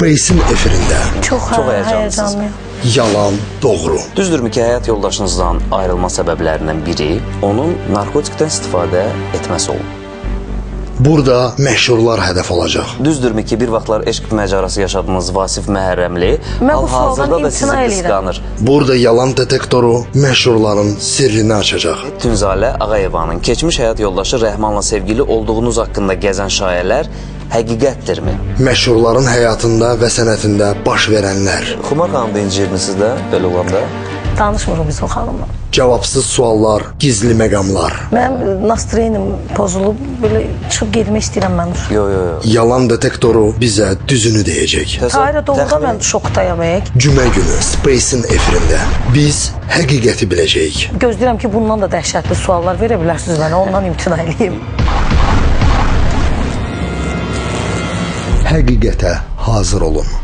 Space'in efirində. Çox həyəcanlısınız. Yalan, doğru. Düzdürmü ki, həyat yoldaşınızdan ayrılma səbəblərindən biri onun narkotikdən istifadə etməsi olub? Burada məşhurlar hədəf olacaq. Düzdürmü ki, bir vaxtlar eşq məcarası yaşadığınız Vasif Məhərrəmli hal-hazırda da sizi qısqanır? Burada yalan detektoru məşhurların sirrini açacaq. Tünzalə Ağayevanın keçmiş həyat yoldaşı Rəhmanla sevgili olduğunuz haqqında gəzən şayələr həqiqətdirmi? Məşhurların həyatında və sənətində baş verənlər. Xumar xanım da incirmisiniz də belə olanda? Danışmırıq biz o xanımla. Cavabsız suallar, gizli məqamlar. Mənim nastroyenim pozulub, belə çıxıb getmək istəyirəm mən. Yo. Yalan detektoru bizə düzünü deyəcək. Tahirə doğruda mən şokdayam. Cümə günü Space'in efirində biz həqiqəti biləcəyik. Gözləyirəm ki, bundan da dəhşətli suallar verə bilərsiniz mənə, ondan imtina edeyim. Həqiqətə hazır olun.